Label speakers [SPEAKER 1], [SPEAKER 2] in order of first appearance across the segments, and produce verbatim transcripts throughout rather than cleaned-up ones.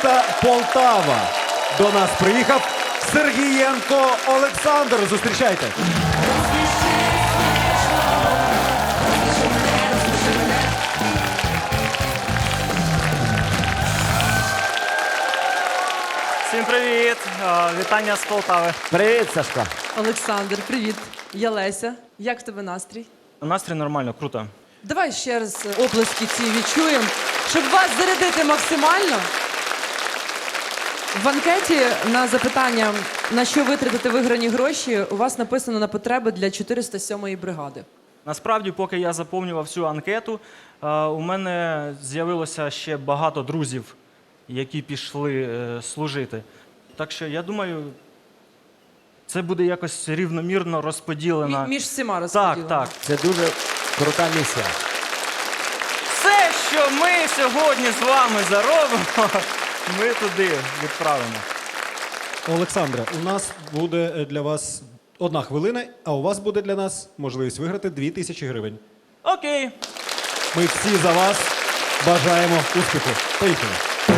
[SPEAKER 1] міста Полтава. До нас приїхав Сергієнко Олександр. Зустрічайте.
[SPEAKER 2] Всім привіт! Е, Вітання з Полтави.
[SPEAKER 3] Привіт, Сашко.
[SPEAKER 4] Олександр, привіт. Я Леся. Як в тебе настрій?
[SPEAKER 2] Настрій нормально, круто.
[SPEAKER 4] Давай ще раз оплески ці відчуємо, щоб вас зарядити максимально. В анкеті на запитання, на що витратити виграні гроші, у вас написано на потреби для чотириста сьомої бригади.
[SPEAKER 2] Насправді, поки я заповнював цю анкету, е, у мене з'явилося ще багато друзів, які пішли е, служити. Так що, я думаю, це буде якось рівномірно розподілено.
[SPEAKER 4] Мі- між всіма розподілено.
[SPEAKER 2] Так, так.
[SPEAKER 3] Це дуже крута місія.
[SPEAKER 2] Все, що ми сьогодні з вами заробимо, ми туди відправимо.
[SPEAKER 1] Олександре, у нас буде е, для вас одна хвилина, а у вас буде для нас можливість виграти дві тисячі гривень.
[SPEAKER 2] Окей.
[SPEAKER 1] Ми всі за вас бажаємо успіху. Поїхали.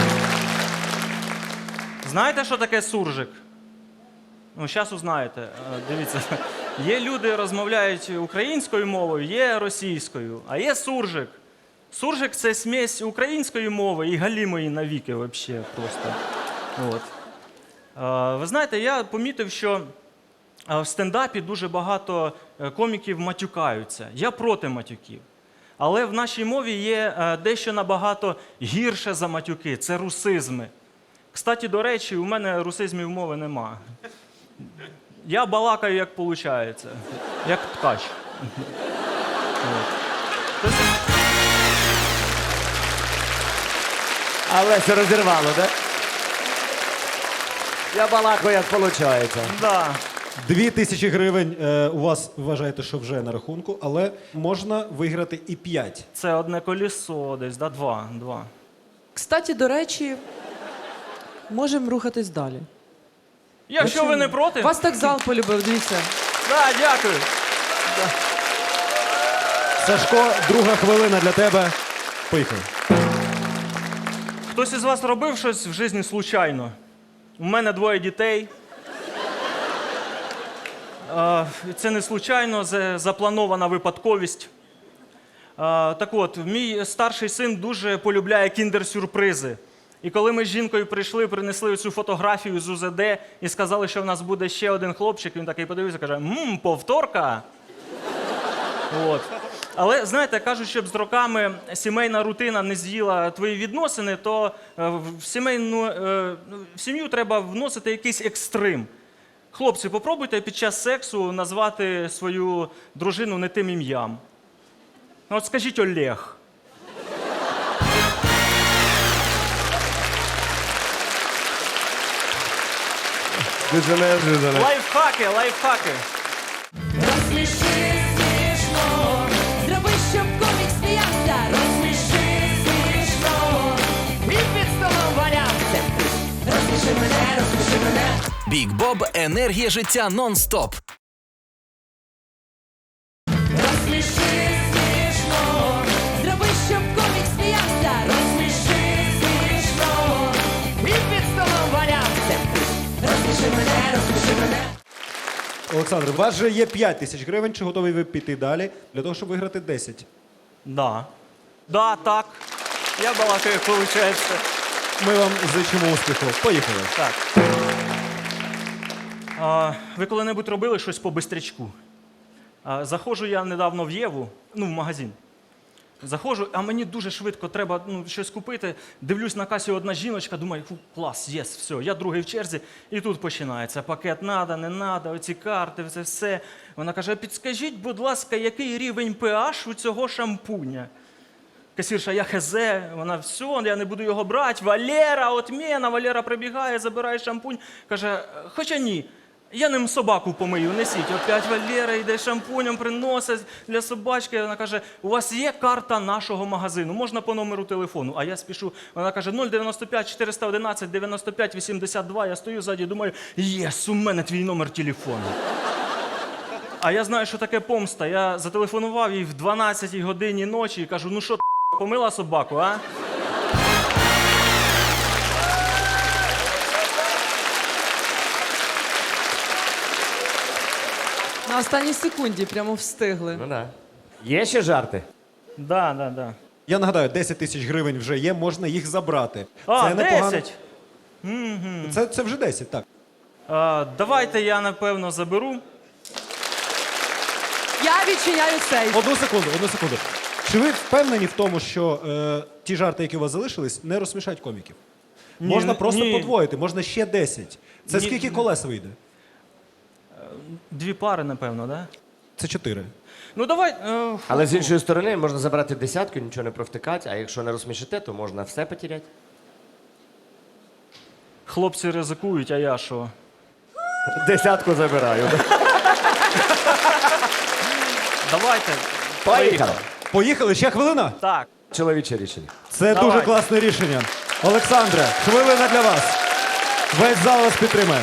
[SPEAKER 2] Знаєте, що таке суржик? Ну, зараз узнаєте. Е, Дивіться, є люди, розмовляють українською мовою, є російською, а є суржик. Суржик – це смесь української мови і галімої навіки взагалі просто. От. Е, Ви знаєте, я помітив, що е, в стендапі дуже багато е, коміків матюкаються. Я проти матюків. Але в нашій мові є е, дещо набагато гірше за матюки – це русизми. Кстати, до речі, у мене русизмів мови нема. Я балакаю, як виходить. Як ткач. От. Тобто,
[SPEAKER 3] Але все розірвало, так? Я балакаю, як виходить.
[SPEAKER 2] да.
[SPEAKER 1] Дві тисячі гривень е, у вас, вважаєте, що вже на рахунку, але можна виграти і п'ять.
[SPEAKER 2] Це одне колесо десь, да? Два. Два.
[SPEAKER 4] Кстати, до речі, можемо рухатись далі.
[SPEAKER 2] Якщо ви не проти.
[SPEAKER 4] Вас так зал полюбив, дивіться.
[SPEAKER 2] Да, дякую.
[SPEAKER 1] Сашко, друга хвилина для тебе. Поїхали.
[SPEAKER 2] Хтось із вас робив щось в житті случайно? У мене двоє дітей. Е, Це не случайно, це запланована випадковість. Е, Так от, мій старший син дуже полюбляє кіндер-сюрпризи. І коли ми з жінкою прийшли, принесли цю фотографію з У З Д і сказали, що в нас буде ще один хлопчик, він такий подивився і каже: «Ммм, повторка!» От. Але, знаєте, кажуть, щоб з роками сімейна рутина не з'їла твої відносини, то е, в сімейну, е, в сім'ю треба вносити якийсь екстрим. Хлопці, попробуйте під час сексу назвати свою дружину не тим ім'ям. Ну, от скажіть Олег.
[SPEAKER 3] Дуже неожиданно.
[SPEAKER 2] Лайфхаки, лайфхаки.
[SPEAKER 5] Розсміши смішно, зроби, щоб комік сміявся. Розсміши смішно, і під столом валявся. Розсміши мене, розсміши мене.
[SPEAKER 6] Бік Боб – енергія життя нон-стоп.
[SPEAKER 5] Розсміши смішно, зроби, щоб комік сміявся. Розсміши смішно, і під столом валявся. Розсміши мене, розсміши мене.
[SPEAKER 1] Олександр, у вас же є п'ять тисяч гривень. Чи готові ви піти далі для того, щоб виграти десять?
[SPEAKER 2] Да. Да, так. Я балакаю, як виходить.
[SPEAKER 1] Ми вам зичимо успіху. Поїхали.
[SPEAKER 2] Так. А, ви коли-небудь робили щось по бистрячку? А, заходжу я недавно в Єву, ну, в магазин. Заходжу, а мені дуже швидко треба ну, щось купити. Дивлюсь на касі одна жіночка, думаю, фу, клас, єс, все, я другий в черзі. І тут починається. Пакет надо, не надо, оці карти, це все. Вона каже: підскажіть, будь ласка, який рівень pH у цього шампуня? Касірша: я хз, вона: все, я не буду його брати. Валера, отмена, Валера прибігає, забирає шампунь. Каже: хоча ні, я ним собаку помию, несіть. Опять Валера йде шампунем, приносить для собачки. Вона каже: у вас є карта нашого магазину, можна по номеру телефону. А я спішу. Вона каже: нуль дев'яносто п'ять чотириста одинадцять дев'яносто п'ять вісімдесят два. Я стою ззаді, думаю: єс, у мене твій номер телефону. А я знаю, що таке помста. Я зателефонував їй в дванадцятій годині ночі і кажу: ну що, помила собаку, а?
[SPEAKER 4] На останній секунді прямо встигли.
[SPEAKER 3] Ну да. Є ще жарти?
[SPEAKER 2] Да, да, да.
[SPEAKER 1] Я нагадаю, десять тисяч гривень вже є, можна їх забрати.
[SPEAKER 2] А,
[SPEAKER 1] це непогано.
[SPEAKER 2] десять?
[SPEAKER 1] Це, це вже десять, так.
[SPEAKER 2] А, давайте я, напевно, заберу.
[SPEAKER 4] Я відчиняю сейф.
[SPEAKER 1] Одну секунду, одну секунду. Чи ви впевнені в тому, що е, ті жарти, які у вас залишились, не розсмішать коміків?
[SPEAKER 2] Ні,
[SPEAKER 1] Можна
[SPEAKER 2] ні.
[SPEAKER 1] просто
[SPEAKER 2] Ні.
[SPEAKER 1] подвоїти, можна ще десять. Це
[SPEAKER 2] Ні.
[SPEAKER 1] скільки колес вийде?
[SPEAKER 2] Дві пари, напевно, да?
[SPEAKER 1] Це чотири.
[SPEAKER 2] Ну давай. Е,
[SPEAKER 3] Але з іншої сторони можна забрати десятку, нічого не провтикати, а якщо не розсмішите, то можна все потеряти.
[SPEAKER 2] хлопці ризикують, а я що?
[SPEAKER 3] Десятку забираю.
[SPEAKER 2] Давайте.
[SPEAKER 3] Поїхали.
[SPEAKER 1] Поїхали, ще хвилина?
[SPEAKER 2] Так.
[SPEAKER 3] Чоловіче рішення.
[SPEAKER 1] Це
[SPEAKER 2] Давай.
[SPEAKER 1] дуже класне рішення. Олександре, хвилина для вас. Весь зал вас підтримає.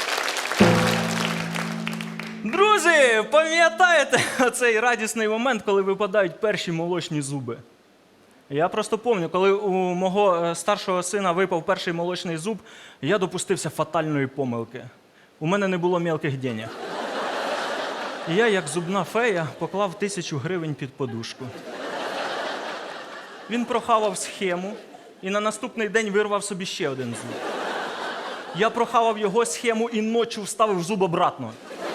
[SPEAKER 2] Друзі, пам'ятаєте цей радісний момент, коли випадають перші молочні зуби? Я просто пам'ятаю, коли у мого е, старшого сина випав перший молочний зуб, я допустився фатальної помилки. У мене не було мілких денег. І я, як зубна фея, поклав тисячу гривень під подушку. Він прохавав схему і на наступний день вирвав собі ще один зуб. Я прохавав його схему і ночі вставив зуб обратно.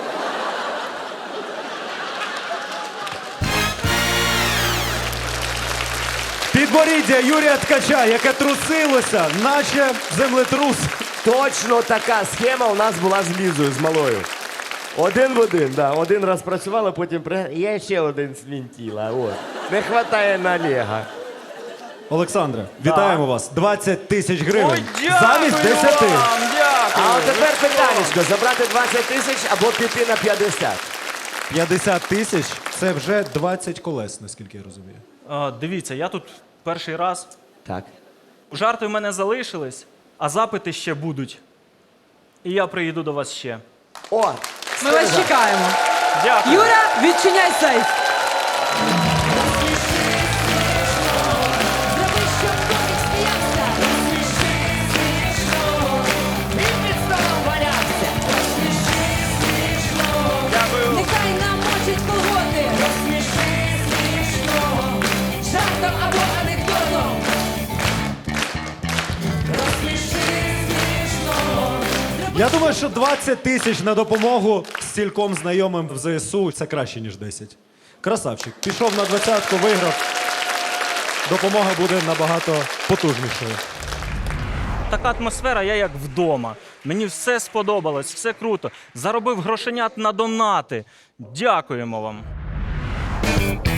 [SPEAKER 1] Підборіддя Юрія Ткача, яке трусилося, наче землетрус.
[SPEAKER 3] Точно така схема у нас була з Лізою, з малою. Один в один, да. Один раз працювала, потім при... Я ще один свінтіла. От. Не вистачає на Олега.
[SPEAKER 1] Олександре, вітаємо вас. двадцять тисяч гривень.
[SPEAKER 2] Ой, дякую
[SPEAKER 1] замість десяти.
[SPEAKER 2] вам, дякую.
[SPEAKER 3] А от тепер питанечко, забрати двадцять тисяч або піти на п'ятдесят.
[SPEAKER 1] п'ятдесят тисяч це вже двадцять колес, наскільки я розумію.
[SPEAKER 2] А, дивіться, я тут перший раз.
[SPEAKER 3] Так.
[SPEAKER 2] Жарти в мене залишились, а запити ще будуть. І я приїду до вас ще.
[SPEAKER 3] О,
[SPEAKER 4] Ми вас
[SPEAKER 3] стережа.
[SPEAKER 4] чекаємо.
[SPEAKER 2] Дякую.
[SPEAKER 4] Юра, відчиняй сейф.
[SPEAKER 5] Зроби, щоб комік сміявся. Розсміши смішно. І під столом валявся. Розсміши смішно.
[SPEAKER 2] Дякую.
[SPEAKER 5] Нехай намочить колготи. Розсміши смішно. Жартом або анекдотом. Розсміши смішно.
[SPEAKER 1] Я думаю, що двадцять тисяч на допомогу стільком знайомим в ЗСУ це краще, ніж десять. Красавчик. Пішов на двадцятку, виграв. Допомога буде набагато потужнішою.
[SPEAKER 2] Така атмосфера, я як вдома. Мені все сподобалось, все круто. Заробив грошенят на донати. Дякуємо вам.